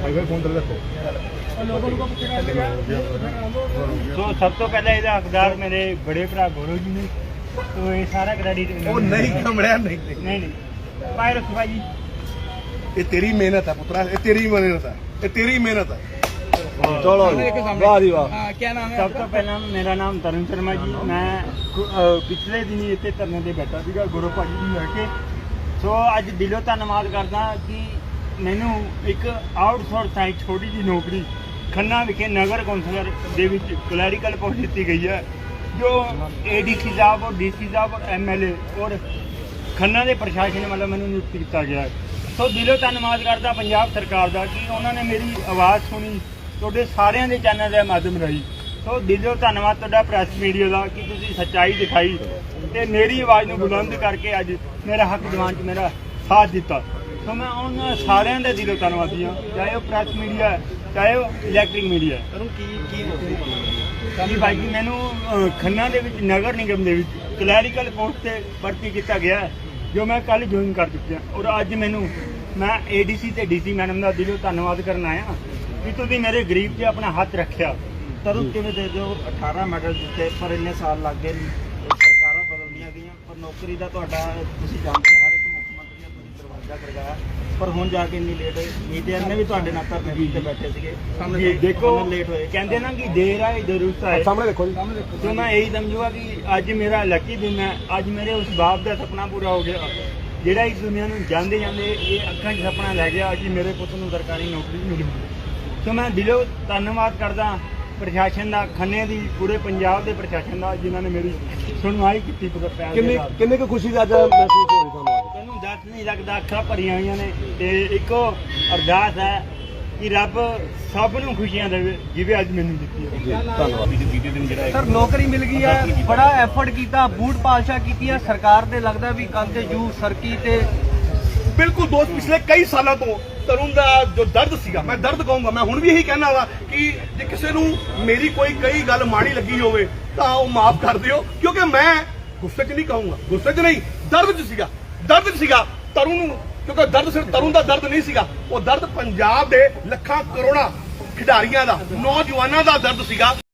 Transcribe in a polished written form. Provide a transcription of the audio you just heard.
तो सब तो पहले ਇਹਦਾ ਹੱਕਦਾਰ ਮੇਰੇ बड़े भरा गौरव जी ने, तो ये सारा क्रेडिट नहीं कमड़िया नहीं नहीं भाई रखो भाई जी, ये तेरी मेहनत है पुत्रा, ये तेरी मेहनत है, ये तेरी मेहनत है। चलो वाह जी वाह। क्या नाम है? सब तो पहला मेरा नाम तरुण शर्मा जी, मैं पिछले दिन इतने धरने से बैठा ਸੀਗਾ ਗੁਰੂ ਭਾਜੀ ਨੂੰ ਲੈ ਕੇ। ਸੋ ਅੱਜ ਦਿਲੋਂ ਧੰਨਵਾਦ ਕਰਦਾ ਕਿ ਮੈਨੂੰ ਇੱਕ ਆਊਟਸੋਰਸ ਸਾਈਟ ਛੋਟੀ ਜਿਹੀ ਨੌਕਰੀ ਖੰਨਾ ਵਿਖੇ ਨਗਰ ਕੌਂਸਲਰ ਦੇ ਵਿੱਚ ਕਲੈਰੀਕਲ ਪੋਸਟ ਦਿੱਤੀ ਗਈ ਹੈ, ਜੋ ADC ਸਾਹਿਬ ਔਰ DC ਸਾਹਿਬ ਔਰ MLA ਔਰ ਖੰਨਾ ਦੇ ਪ੍ਰਸ਼ਾਸਨ ਵੱਲੋਂ ਮੈਨੂੰ ਨਿਯੁਕਤ ਕੀਤਾ ਗਿਆ ਹੈ। ਸੋ ਦਿਲੋਂ ਧੰਨਵਾਦ ਕਰਦਾ ਪੰਜਾਬ ਸਰਕਾਰ ਦਾ ਕਿ ਉਹਨਾਂ ਨੇ ਮੇਰੀ ਆਵਾਜ਼ ਸੁਣੀ ਤੁਹਾਡੇ ਸਾਰਿਆਂ ਦੇ ਚੈਨਲ ਦੇ ਮਾਧਿਅਮ ਰਾਹੀਂ। ਸੋ ਦਿਲੋਂ ਧੰਨਵਾਦ ਤੁਹਾਡਾ ਪ੍ਰੈਸ ਮੀਡੀਆ ਦਾ ਕਿ ਤੁਸੀਂ ਸੱਚਾਈ ਦਿਖਾਈ ਤੇ ਮੇਰੀ ਆਵਾਜ਼ ਨੂੰ ਬੁਲੰਦ ਕਰਕੇ ਅੱਜ ਮੇਰਾ ਹੱਕ ਦਿਵਾਉਣ 'ਚ ਮੇਰਾ ਸਾਥ ਦਿੱਤਾ। ਸੋ ਮੈਂ ਉਹਨਾਂ ਸਾਰਿਆਂ ਦਾ ਦਿਲੋਂ ਧੰਨਵਾਦੀ ਹਾਂ, ਚਾਹੇ ਉਹ ਪ੍ਰੈਸ ਮੀਡੀਆ ਹੈ, ਚਾਹੇ ਉਹ ਇਲੈਕਟ੍ਰਿਕ ਮੀਡੀਆ ਹੈ। ਜੀ ਭਾਈ ਜੀ, ਮੈਨੂੰ ਖੰਨਾ ਦੇ ਵਿੱਚ ਨਗਰ ਨਿਗਮ ਦੇ ਵਿੱਚ ਕਲੈਰੀਕਲ ਪੋਸਟ ਤੇ ਭਰਤੀ ਕੀਤਾ ਗਿਆ ਹੈ, ਜੋ ਮੈਂ ਕੱਲ੍ਹ ਜੁਆਇਨ ਕਰ ਚੁੱਕਿਆ। ਔਰ ਅੱਜ ਮੈਂ ADC ਤੇ DC ਮੈਡਮ ਦਾ ਦਿਲੋਂ ਧੰਨਵਾਦ ਕਰਨ ਆਇਆ ਕਿ ਤੁਸੀਂ ਮੇਰੇ ਗਰੀਬ 'ਤੇ ਆਪਣਾ ਹੱਥ ਰੱਖਿਆ। तरुण किवें दे दिओ 18 मैडल जिते पर इन्ने साल लग गए सरकारां बदलदियां गईयां पर नौकरी दा तुहाडा तुसीं जानदे हर एक मुख मंत्री ने तुसीं दरवाजा खड़काया पर हुण जाके इन्नी लेट होई। मीडिया ने भी तुहाडे नाल धरने ते बैठे सीगे, जी देखो लेट होए। कहते ना कि देर आए दुरुस्त आए। सामने देखो जी, तो मैं यही समझूंगा कि आज मेरा लकी दिन है, आज मेरे उस बाप का सपना पूरा हो गया ਜਿਹੜਾ ਇਸ ਦੁਨੀਆ ਨੂੰ ਜਾਂਦੇ ਜਾਂਦੇ ਇਹ ਅੱਖਾਂ 'ਚ ਸੁਪਨਾ ਲੈ ਗਿਆ ਕਿ ਮੇਰੇ ਪੁੱਤ ਨੂੰ ਸਰਕਾਰੀ ਨੌਕਰੀ ਮਿਲੀ। ਸੋ ਮੈਂ ਦਿਲੋਂ ਧੰਨਵਾਦ ਕਰਦਾ ਪ੍ਰਸ਼ਾਸਨ ਦਾ, ਖੰਨੇ ਦੀ, ਪੂਰੇ ਪੰਜਾਬ ਦੇ ਪ੍ਰਸ਼ਾਸਨ ਦਾ, ਜਿਨ੍ਹਾਂ ਨੇ ਮੇਰੀ ਸੁਣਵਾਈ ਕੀਤੀ। ਕਿੰਨੀ ਕੁ ਖੁਸ਼ੀ ਦਾ ਅੱਜ ਮਹਿਸੂਸ ਹੋਈ ਤੁਹਾਨੂੰ? ਮੈਨੂੰ ਦੱਸ ਨਹੀਂ ਲੱਗਦਾ, ਅੱਖਾਂ ਭਰੀਆਂ ਹੋਈਆਂ ਨੇ। ਤੇ ਇੱਕੋ ਅਰਦਾਸ ਹੈ ਕਿ ਰੱਬ ਸਭ ਨੂੰ ਖੁਸ਼ੀਆਂ ਦੇਵੇ ਜਿਵੇਂ ਅੱਜ ਮੈਨੂੰ ਦਿੱਤੀ ਹੈ। ਧੰਨਵਾਦ। सर नौकरी मिल गई है, बड़ा एफर्ट किया, बूट पालशा की है सरकार ने, लगता भी कल ते जू सरकी ते बिल्कुल दोस्त, पिछले कई सालों तो तरुण का जो दर्द सीगा, मैं दर्द कहूंगा, मैं हुण भी यही कहना वा कि जे किसी नूं मेरी कोई गल माड़ी लगी होवे तां ओह माफ कर दिओ, क्योंकि मैं गुस्से च नहीं कहूंगा, गुस्से च नहीं, दर्द च सीगा तरुण नूं, क्योंकि दर्द सिर्फ तरुण का दर्द नहीं सीगा, वो दर्द पंजाब दे लखां करोड़ां खिडारियां दा, नौजवानां दा दर्द सीगा।